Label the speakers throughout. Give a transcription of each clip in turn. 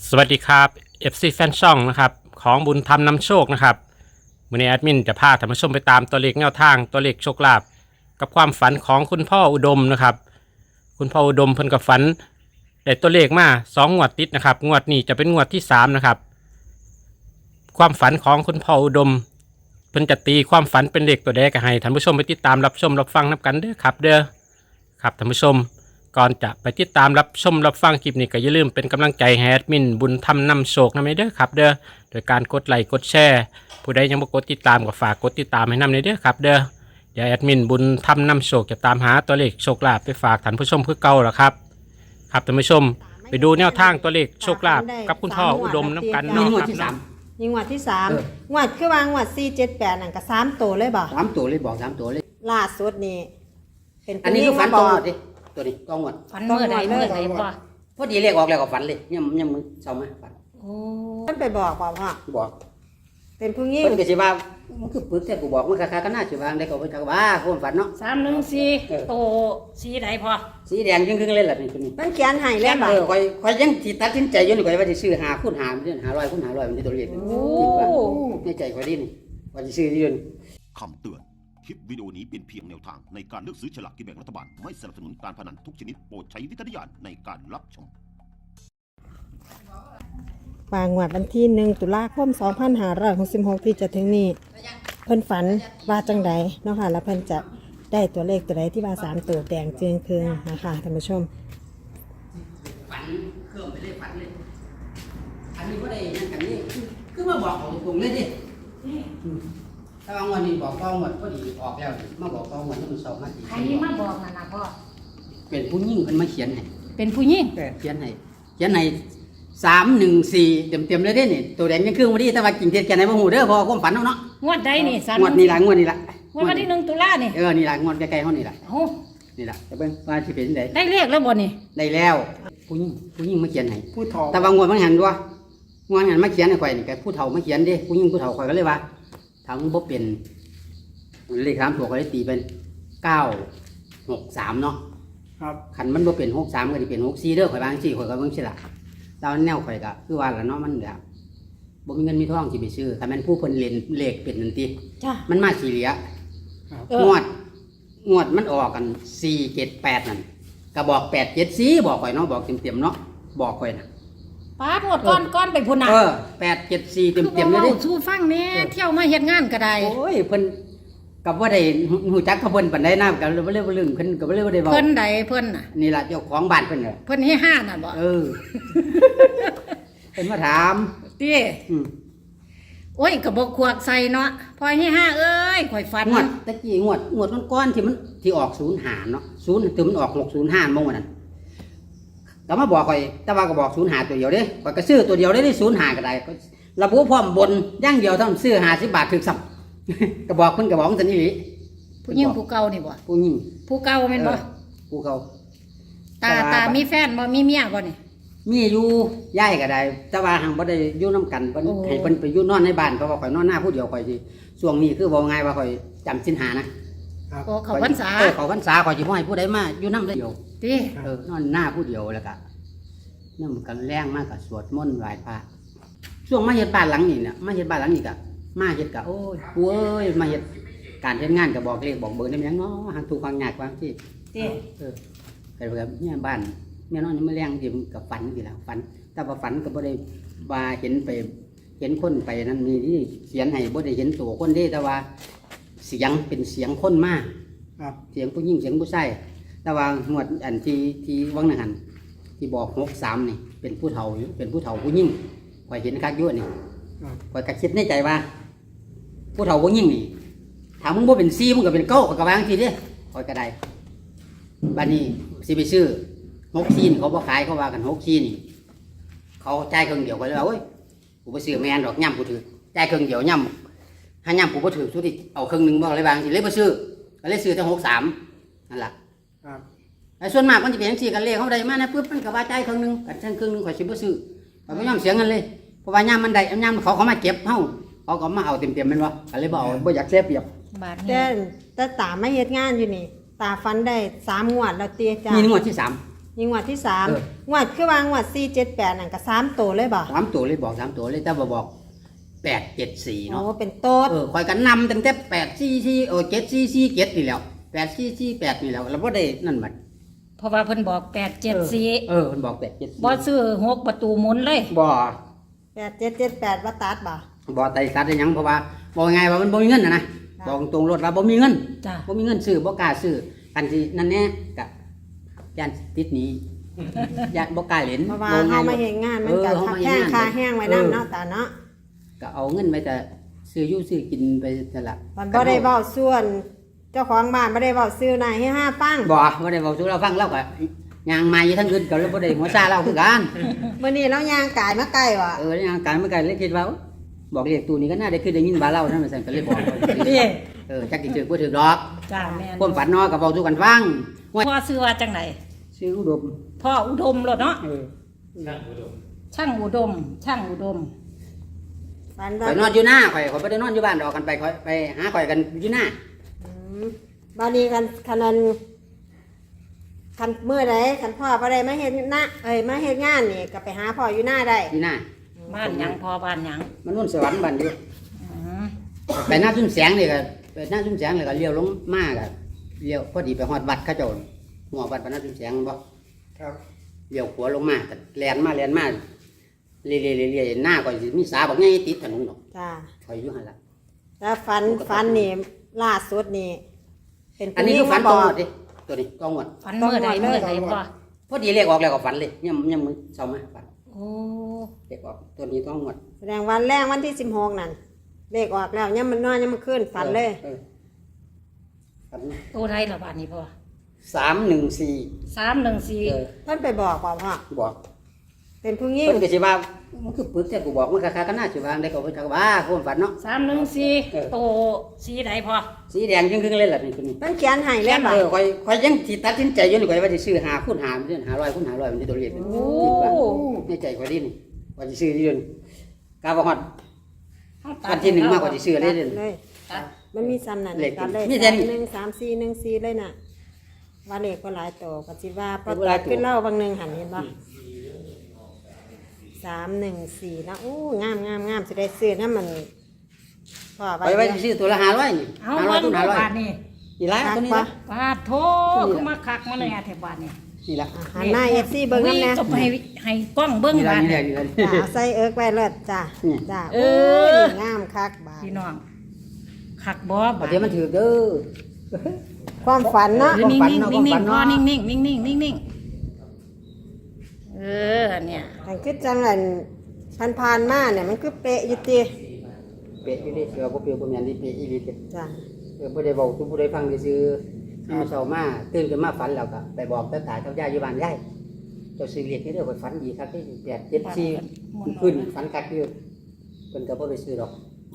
Speaker 1: สวัสดีครับ FC แฟนช่องนะครับของบุญธรรมนำโชคนะครับวันนี้แอดมินจะพาท่านผู้ชมไปตามตัวเลขแนวทางตัวเลขโชคลาภกับความฝันของคุณพ่ออุดมนะครับคุณพ่ออุดมเพิ่นกับฝันได้ตัวเลขมา2 งวดติดนะครับงวดนี้จะเป็นงวดที่3นะครับความฝันของคุณพ่ออุดมเพิ่นจะตีความฝันเป็นเลขตัวใดก็ให้ท่านผู้ชมไปติดตามรับชมรับฟังนับกันเด้อครับครับท่านผู้ชมก่อนจะไปติดตามรับชมรับฟังคลิปนี้ก็อย่าลืมเป็นกำลังใจให้แอดมินบุญธรรมนำโชคนะเด้อครับโดยการกดไลค์กดแชร์ผู้ใดยังบ่กดติดตามก็ฝากกดติดตามให้นำเด้อครับเดี๋ยวแอดมินบุญธรรมนำโชคจะตามหาตัวเลขโชคลาภไปฝากท่านผู้ชมคือเก่าล่ะครับครับท่านผู้ชมไปดูแนวทางตัวเลขโชคลาภกับคุณพ่ออุดมน้ำกัน
Speaker 2: มี
Speaker 1: เนาะ
Speaker 2: งวด
Speaker 1: ครับ
Speaker 2: ที่สาม
Speaker 3: ยิงงวดที่3งวดคือว่างวด478นั่นก็3ตัวเลยบ่
Speaker 2: สามตัวเลยบอกสามตัวเลย
Speaker 3: ล่าสุดนี่เป็น
Speaker 2: อันนี้คือฝันตรงหมดดิตัวนี้ตรงหมด
Speaker 4: ฝันเมื่อใดพ่อ
Speaker 2: พอดีเลขออกแล้วก็ฝันเลยยังมึงเศร้าไหมฝัน
Speaker 4: โอ้
Speaker 3: มันไปบอกว่าพ่อ
Speaker 2: บอก
Speaker 3: เป็นผู้หญิง
Speaker 2: เพิ่นก็สิว่ามันคือปึกแต่กูบอกมันคาๆก็น่าสิว่าได้ก็ไปทักว่าคนฝันเนาะ
Speaker 4: 314โตสีใดพ่อ
Speaker 2: สีแดงครึ่งๆเลยล่ะนี่ตัวนี้
Speaker 3: มันเขียนให้แล้วบ่
Speaker 2: ค่อยยังสิตัดสินใจอยู่นี่ค่อยว่าสิซื้อ5คูณ5มันสิ500คูณ500มันสิตัวเลขคิดว่าในใจค่อยดีนี่ว่าสิซื้ออยู่นี่
Speaker 5: คำเตือน คลิปวิดีโอนี้เป็นเพียงแนวทางในการเลือกซื้อฉลากกินแบ่งรัฐบาล ไม่สนับสนุนการพนันทุกชนิดโปรดใช้วิจารณญาณในการรับชม
Speaker 3: วางงวดวันที่1ตุลาคม2566ที่จะถึงนี้เพิ่นฝันว่าจังใดเนาะค่ะแล้วเพิ่นจะได้ตัวเลขตัวใดที่ว่า3ตัวแดงเจืองเคืองนะคะท่านผู้ชม
Speaker 2: ฝันเครื่องไปเลยฝันเลยอันนี้ก็ได้นั่นกันนี่คือมาบอกเอาตรงๆเลยดิถ้าเอาวันนี้บอกต้องหมดพอดีออกแล้วมาบอกต้องหมดมัน2 นาที
Speaker 4: ใครมาบอกนั่นน่ะพ่อ
Speaker 2: เป็นผู้หญิงเพิ่นมาเขียนให้
Speaker 4: เป็นผู้หญิง
Speaker 2: เขียนให้314เต็มๆเลยเด้นี่ตัวแดงยังคือบ่ดีแต่ว่าจริงเท็จแค่ไหนบ่ฮู้เด้อเพอความฝันเนาะ
Speaker 4: งวดใดนี่
Speaker 2: งวดนี้ล่ะงวดนี้ล่ะ
Speaker 4: งวดวันที่1ตุลานี่
Speaker 2: นี่ล่ะงวดใกล้ๆเฮานี่ล่ะ
Speaker 4: โอ้
Speaker 2: นี่ล่ะจะเบิ่งว่าสิเป็นจังได๋
Speaker 4: ได้เลขแล้วบ่นี่
Speaker 2: ได้แล้วผู้หญิงมาเขียนให้ผู้เฒ่าแต่ว่างวดมันหันด้วยงวดหันมาเขียนให้ข่อยนี่ก็ผู้เฒ่ามาเขียนเด้ผู้หญิงผู้เฒ่าข่อยก็เลยว่าถ้ามึงบ่เป็นเลข3ตัวก็เลยตีเป็น963เนาะครับคันมันบ่เป็น63ก็สิเป็น64เด้อข่อยว่าจังซี่ข่อยก็เบิ่งสิล่ะตอนแนวข่อยก็คือว่าล่ะเนาะมันแบบบ่มีเงินมีทองสิไปซื้อคันแม่นผู้เพิ่นเล่นเลขเป็นนั่นติ
Speaker 4: จ้า
Speaker 2: มันมาสี่เหลียงวดมันออกกัน478นั่นก็บอก874บอกข่อยเนาะบอกเต็มๆเนาะบอกข่อยน่ะ
Speaker 4: ป้างวดก้อนไปพุ่นน่ะ
Speaker 2: 874เต็ม
Speaker 4: คือ
Speaker 2: ๆเล
Speaker 4: บ่
Speaker 2: ย
Speaker 4: เว้า
Speaker 2: ดิ
Speaker 4: สู่ฟังแหน่เที่ยวมาเฮ็ดงานก็ได้
Speaker 2: โอ้ยเพิ่นก็บ่ได้ฮู้จักกับเพิ่นปานใดนะก็บ่เลยบ่ลืมเพิ่นก็บ่เลยบ่ได้เว้า
Speaker 4: เพิ่นใดเพิ่นน่ะ
Speaker 2: นี่ล่ะเจ้าของบ้านเพิ่นน่ะ
Speaker 4: เพิ่นให้ห้าน่ะบ่
Speaker 2: เออ เพิ่นมาถาม
Speaker 4: ติ
Speaker 2: อืม
Speaker 4: โอ้ยก็บ่ควักใส่เนาะพอให้ห้าเอ้ยข่อยฝัน
Speaker 2: งวดตะกี้งวดก้อนๆที่มันที่ออก05เนาะ0ถึงมันออก605บ่ว่านั่นก็มาบอกข่อยแต่ว่าก็บอก05ตัวเดียวเด้ข่อยก็ซื้อตัวเดียวได้05ก็ได้ก็ระบุพร้อมบนอย่างเดียวเท่านั้นซื้อ50 บาทถึกซ้ำ ก็บอกเพิ่นก็บอกจังซั่นอีหลี
Speaker 4: ผู้หญิงผู้เก่านี่บ่
Speaker 2: ผู้หญิง
Speaker 4: ผู้เก่าแม่นบ่
Speaker 2: ผู้เขา
Speaker 4: ตามีแฟนบ่มีเมียบ่นี่
Speaker 2: มีอยู่ย้ายก็ได้แต่ว่าหังบ่ได้อยู่นํกันเพิ่น
Speaker 4: โอ้
Speaker 2: ให้เพิ่นไปอยู่นอนในบ้านเพราะว่าข่อยนอนหน้าผู้เดียวข่อยสิช่วงนี้คือบ่ง่ายว่าข่อยจำศีลหานะ
Speaker 4: โอ้เขาพรรษา
Speaker 2: เขาพรรษาข่อยสิบ่ให้ผู้ใดมาอยู่นำเดียว
Speaker 4: ติ
Speaker 2: นอนหน้าผู้เดียวแล้วก็นำกันแรงมากก็สวดมนต์ไหว้พระช่วงมาเฮ็ดบ้านหลังนี้เนี่ยมาเฮ็ดบ้านหลังนี้ก็มาเฮ็ดก็โอ้ยกูเอ้ยมาเฮ็ดการเฮ็ดงานก็บอกเลขบอกเบอร์ได้หยังเนาะหางถูกหางยากว่าที่
Speaker 4: ติ
Speaker 2: ก็แบบเนี่ยบ้านแม่นอนนี่มาแรงสิมันก็ฝันสิล่ะฝันแต่ว่าฝันก็บ่ได้ว่าเห็นไปเห็นคนไปนั่นมีที่เขียนให้บ่ได้เห็นตัวคนเด้แต่ว่าเสียงเป็นเสียงคนมาเสียงผู้หญิงเสียงผู้ชายแต่ว่างวดอันที่วังนั่นหั่นที่บอก63นี่เป็นผู้เฒ่าอยู่เป็นผู้เฒ่าผู้หญิงข่อยเห็นคักอยู่นี่ข่อยก็คิดในใจว่า ผู้เฒ่าผู้หญิงนี่ถ้ามึงบ่เป็น4มึงก็เป็น9ก็ว่าจังซี่เด้ข่อยก็ได้บัดนี้สิไปซื้อ6ซีนเขาบ่ขายเขาว่ากัน6ซีนนี่เขาจ่ายครึ่งเดียวก็เลยว่าโอ้ยกูบ่ซื้อแม่นดอกย่ำกูถือจ่ายครึ่งเดียวย่ำถ้าย่ำกูบ่ถือสุดที่เอาครึ่งหนึงบ่อะไรบางสิเลยบ่ซื้อก็เลยซื้อแต่63นั่นล่ะครับแต่ส่วนมากมันจะเป็นจังซี่กันเลขเฮาได้มานะปึ๊บมันก็ว่าจ่ายครึ่งหนึงก็ครึ่งหนึงข่อยสิบ่ซื้อข่อยบ่ยอมเสียเงินเลยเพราะว่าย่ำมันได้ย่ำเขามาเก็บเฮาเขาก็มาเอาเต็มๆแม่นบ่ก็เลยบ่เอาบ่อยากเสียเปรียบ
Speaker 4: บาท
Speaker 3: แต่
Speaker 4: นี้
Speaker 3: แต่ตาไม่เฮ็ดงานอยู่นี่ตาฟันได้3งวดแล้วเตี้ยจ้า
Speaker 2: นี่งวดที่3
Speaker 3: ยนี่งวดที่สาม
Speaker 2: เออ
Speaker 3: งวดคือว่างวด478นั่นก็3ตัวเลยบ่
Speaker 2: 3ตัวเลยบอก3ตัวเลยแต่บ่บอก874
Speaker 3: โอ้
Speaker 2: เนาะ
Speaker 3: เป็นโต๊ด
Speaker 2: คอยกันนำตั้งแต่8447447นี่แล้ว8448นี่แล้วเราบ่ได้นั่นบัด
Speaker 4: เพราะว่าเพิ่นบอก874
Speaker 2: มันบอก874
Speaker 4: บ่ซื้อ6ประตูหมุนเลย
Speaker 2: บ่
Speaker 3: 8778ว่าตัดบ่
Speaker 2: บ่ไต่สัตว์ได้หยังเพราะว่าบอกไงว่ามันบ่มีเงินนะบอกตรงรถว่าบ่มีเงิน
Speaker 4: จ้ะ
Speaker 2: บ่มีเงินซื้อบ่กล้าซื้อกันสินั่นแน่กะย่านติดหนี้ย่านบ่กล้าเล่น
Speaker 3: เพราะว่า
Speaker 2: บอกไง
Speaker 3: เฮามาเฮ็ดงานมันก็
Speaker 2: เฮา
Speaker 3: ทับ
Speaker 2: มาเฮ็
Speaker 3: แห้
Speaker 2: ด
Speaker 3: ง
Speaker 2: งาน
Speaker 3: คาแห้งไว้นำเนาะตาเนาะ
Speaker 2: ก็เอาเงินไปแต่ซื้ออยู่ซื้อกินไปนั่นล่ะ
Speaker 3: มันบ่ได้เว้าส่วน เจ้าของบ้านบ่ได้เว้าซื้อนายให้5ฟัง
Speaker 2: บ่ได้เว้าสู่เราฟังเราก็ย่างมาอยู่ทั้งคืนก็เลยบ่ได้หัวซาเราคือกัน
Speaker 3: มื้อนี้เราย่างกายมาไกลว่ะ
Speaker 2: ย่างการเมื่อกี้เลยคิดว่าบอกเลขตู้นี้ก็น่าได้คือได้ยินบาเล่านั่นมันสั่นก็เลยบอก
Speaker 4: นี่
Speaker 2: จักสิถือบ่ถือดอก
Speaker 4: จ้าแม่น
Speaker 2: ความฝันเนาะก็เว้าสู่กันฟังว่า
Speaker 4: พ่อซื้อว่าจังได
Speaker 2: ซื้ออุดม
Speaker 4: พ่ออุดมโลดเนาะ
Speaker 1: นั่งอุดม
Speaker 4: ช่างอุดม ช่างอุดม
Speaker 3: ฝัน
Speaker 2: ข่
Speaker 3: ว่า
Speaker 2: อยนอนอยู่หน้าข่อยบ่ได้นอนอยู่บ้านดอกกันไปข่อยไปหาข่อยกันอยู่หน้า
Speaker 3: บ้านนี้กันคันนั้นคันมื้อใดคันพ่อบ่ได้มาเฮ็ดนะมาเฮ็ดงานนี่ก็ไปหาพ่ออยู่หน้าได้
Speaker 2: อยู่หน้า
Speaker 4: บ้านหยังพ่อบ้านหยัง
Speaker 2: มันนู่นสวรรค์บ้านอยู่
Speaker 4: อืม
Speaker 2: ไปหน้าซุ้มแสงนี่ก็ไปหน้าซุ้มแสงเลยก็เลี้ยวลงมาก็เลี้ยวพอดีไปฮอดวัดเขาเจ้าหัววัดพระหน้าซุ้มแสงบ่ครับเลี้ยวขวาลงมาก็แล่นมาเรื่อยๆหน้าก็สิมีสาบักใหญ่ติดถนนดอก
Speaker 3: จ้า
Speaker 2: ข่อยอยู่หั่นล่ะ
Speaker 3: แล้วฝันนี่ล่าสุดนี่เป็น
Speaker 2: อันนี้คือฝันตรงหมดดิตัวนี้ตรงหมด
Speaker 4: ฝันเมื่อใดเมื่อใดพ่อ
Speaker 2: พอดีเลขออกแล้วก็ฝันเลยยังมื้อเช้ามาฝัน
Speaker 4: โอ้
Speaker 2: เลขออกตัวนี้ตรงหมด
Speaker 3: แสดงวันแรกวันที่16นั่นเลขออกแล้วยังมันนอนยังมันขึ้นฝันเลย
Speaker 2: ฝัน
Speaker 4: ตัวใดล่ะบ้านนี้พ่อ
Speaker 2: 314
Speaker 4: 314
Speaker 3: เพิ่นไปบอกพ่อ
Speaker 2: บอก
Speaker 3: เป็นผู้หญิง
Speaker 2: เพิ่นก็สิว่ามันคือปึกแต่กูบอกมันคักๆก็น่าสิว่าได้ก็เพิ่นก็ว่าความฝันเนาะ
Speaker 4: 314โตสีใดพ่อ
Speaker 2: สีแดงครึ่งๆเลยล่ะนี่ตัวนี้
Speaker 3: เพิ่นเขียนให้เลยบ่
Speaker 2: ข่อยยังสิตัดสินใจอยู่นี่ข่อยว่าสิซื้อ5คูณ5มันสิ500คูณ500มันสิตัวเลขคิดว่าในใจข่อยดินี่ข่อยสิซื้ออยู่นี่กาบ่ฮอดวันที่1มาข่อยสิซื้อเลยเด้
Speaker 3: เลย
Speaker 4: ตัด
Speaker 3: มันมีซ้ำนั่น
Speaker 2: เลข
Speaker 3: ตัดเลย
Speaker 2: มีแต่นี้
Speaker 3: 13414เลยน่ะว่าเลขก็หลายตัวก็สิว่าพอ
Speaker 2: เลขบ่ห
Speaker 3: ตั
Speaker 2: ลา
Speaker 3: ด
Speaker 2: ยตัว
Speaker 3: ขึ้นเล่าบางหนึงหันเห็นบ่314แล้วโอ้งามสิได้ซื้อนะมันพ่อ
Speaker 2: ข่อยว่าสิซื้อตัวละ500นี่
Speaker 4: เอา
Speaker 2: 500คูณ
Speaker 4: เบิ่งดูบ้าน
Speaker 2: 500
Speaker 4: นี่
Speaker 2: นี่ล่ะตัวนี้ล่ะ
Speaker 4: ปาดโทคือมาคักมาเลยแถวบ้านนี่
Speaker 2: นี่ล่ะ
Speaker 3: หันหน้า FC เบิ่งนำแน่
Speaker 4: จะไปให้กล้องเบิ่ง
Speaker 2: นี่ล่ะ
Speaker 4: บ้าน
Speaker 2: นี่
Speaker 4: นี่
Speaker 2: ล่ะ
Speaker 3: จ้าใส่เอิกไว้เลิศจ้า
Speaker 2: นี่
Speaker 3: จ้า
Speaker 4: เอ
Speaker 3: โอ้
Speaker 4: อ
Speaker 3: ยงามคักบาด
Speaker 4: พี่น้องคักบ่
Speaker 2: บ่
Speaker 4: บ้าน
Speaker 2: เดี๋ยวมันถือเด้อ
Speaker 3: ความฝันเนาะ
Speaker 4: นิ่ง
Speaker 2: ฝัน
Speaker 4: นิ่ง
Speaker 2: เนาะ
Speaker 4: นิ่งนิ่ง
Speaker 2: ฝัน
Speaker 4: พ่อ
Speaker 2: เนาะ
Speaker 4: นิ่งนิ่งนิ่งนิ่งนิ่งนิ่งเออเนี่ย
Speaker 3: มันคือจังอันผ่านมาเนี่ยมันคือเป๊ะอยู่ติ
Speaker 2: เป๊ะอยู่ดิเสือบ่เปรี้ยวบ่แม่นดิเป๊ะอีหลีเด้
Speaker 3: จ้า
Speaker 2: บ่ได้เว้าทุกผู้ใดฟังซื่อๆมื้อเช้ามาตื่นขึ้นมาฝันแล้วก็ไปบอกตาตากับยายอยู่บ้านยายเจ้าซื้อเลขนี่เด้อข่อยฝันดีคักที่874ขึ้นฝันคักอยู่เพิ่นก็บ่ได้ซื้อดอก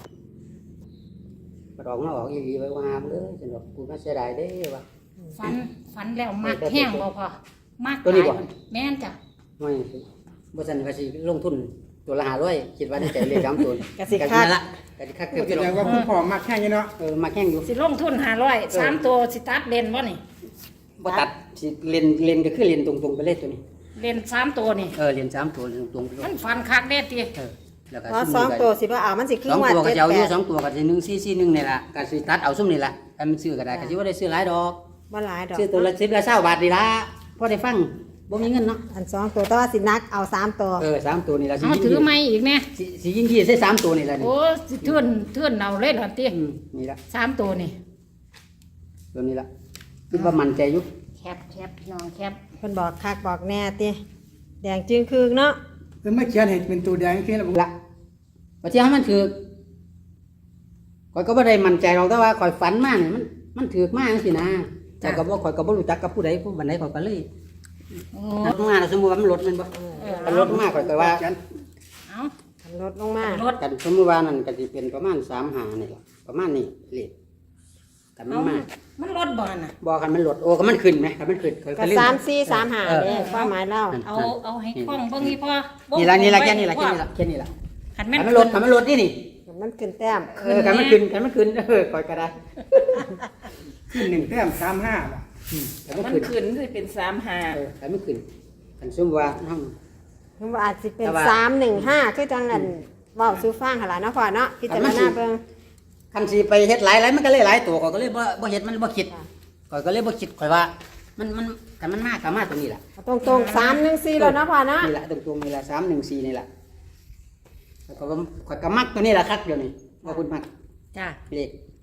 Speaker 2: บ่ดอกมาออกอีหลีไว้ว่าหามเด้อจังดอกกูน่าเสียดายเด้ว่า
Speaker 4: ฝันแล้วมักแห้งบ่พอมัก
Speaker 2: ตัวนี้บ่
Speaker 4: หลายแม่นจ้ะ
Speaker 2: ไม่บ่ซั่นก็สิลงทุนตัวละ500คิดว่าได้ใจเลข3ตัว
Speaker 3: กสิคัก
Speaker 2: ละก็สิคักเกือบ
Speaker 6: แสดงว่าคุณพ่อมักแค่นี้เนาะ
Speaker 2: มาแข่งอยู่
Speaker 4: สิลงทุน500 3ตัวสิตัดเลนบ่นี่
Speaker 2: บ่ตัดสิเลนก็คือเลนตรงๆไปเลยตัวนี้
Speaker 4: เลน3ตัวนี่
Speaker 2: เลน3ตัวเลนตรงๆไปเลย
Speaker 4: มันฟันคักแน่ติ
Speaker 2: แล้วก็
Speaker 3: เพราะสองตัวสิบ่เอามันสิคือ
Speaker 2: สอง
Speaker 3: งวด
Speaker 2: ตัวก็จะเอาอยู่
Speaker 3: 78
Speaker 2: 2ตัวก็สิ1441นี่ล่ะก็สิตัดเอาซุ่มนี่ล่ะให้มันซื้อก็ได้ก็สิบ่ได้ซื้อหลายดอก
Speaker 3: บ่หลายดอก
Speaker 2: ซื้อตัวละ10ละ20บาทนี่ล่ะพอได้ฟังบ่มีเงินเนาะ
Speaker 3: อัน2ตัวแต่ว่าสินักเอา3ตัว
Speaker 2: 3ตัวนี่ล่ะสิ
Speaker 4: เอา
Speaker 2: ยิง
Speaker 4: ถือไม้อีกแน่
Speaker 2: สิยิงที่ใส่3ตัวนี่ล่ะนี่
Speaker 4: โอ้สิเทื่อนเอาเลยเหรอติ
Speaker 2: นี่ล่ะ
Speaker 4: 3ตัวนี่
Speaker 2: ตัวนี้ล่ะคิดว่ามั่นใจอยู่
Speaker 4: แคบพี่น้องแคบ
Speaker 3: เพิ่นบอกคักบอกแน่ติแดงจึงคือเนาะ
Speaker 6: คือไม่เขียนเห็นเป็นตัวแดงแค่นั้น
Speaker 2: ละว่าที่ให้มันถือข่อยก็บ่ได้มั่นใจหรอกแต่ว่าข่อยฝันมานี่มันถือมากจังซี่นะแต่ก็บ่ข่อยก็บ่รู้จักกับผู้ใดผู้บันไดข่อยก็เลย
Speaker 4: โอ้
Speaker 2: รถมาแล้วสมมุติว่ามันรถแมันบ่คันรถมาข่อยก็ว่า
Speaker 4: เอา
Speaker 3: ขันรถลงมา
Speaker 4: รถ
Speaker 2: กันสมมุติว่านั่นก็สิเป็นประมาณ35นี่ล่ะประมาณนี้เลขกันมัน
Speaker 4: เอา
Speaker 2: มา
Speaker 4: มันรถบ่น่ะ
Speaker 2: บ่คันมันรถโอ้ก็มันขึ้นไหมคันมันขึ้นข่อย
Speaker 3: ก็
Speaker 2: ลืม
Speaker 3: 3435เด้ความหมายเรา
Speaker 4: เอาให้กล้องเบิ่งนี่พ่อ
Speaker 2: นี่ล่ะนี่ล่ะแค่นี้ล่ะแค่นี้ล่ะแค่นี้ล่ะ
Speaker 4: คัน
Speaker 2: คั
Speaker 4: แม่น
Speaker 2: นมันรถคันมันรถนี่นี่
Speaker 3: มันขึ้นแต้ม
Speaker 2: คันมันขึ้นข่อยก็ได้
Speaker 6: ขึ้น1 แต้ม 35
Speaker 2: คันมัน
Speaker 7: มัน
Speaker 2: ขึ้น
Speaker 7: ขึ้นสิเป็น35
Speaker 2: คันมันขึ้นคันซุ่มว่าเฮา
Speaker 3: คือว่าอาจสิเป็น
Speaker 2: แต่ว่า
Speaker 3: 315คือจังนั้นเว้าสู่ฟังหั่นล่ะเนาะพ่อเนาะพิจารณาเบิ่ง
Speaker 2: คันสิไปเฮ็ดหลายมันก็เลยหลายตัวก็เลยบ่เฮ็ดมันบ่คิดก็เลยบ่คิดข่อยว่ามันคันมันมากก็มาตรงนี้ล่ะ
Speaker 3: ตรงๆ314แล้วเนาะพ่อเนาะ
Speaker 2: นี่ล่ะตรงๆนี่ล่ะ314นี่ล่ะแล้วก็ข่อยก็มักตัวนี้ล่ะครับเดี๋ยวนี้ว่าคุณมัก
Speaker 4: จ้า
Speaker 2: เลข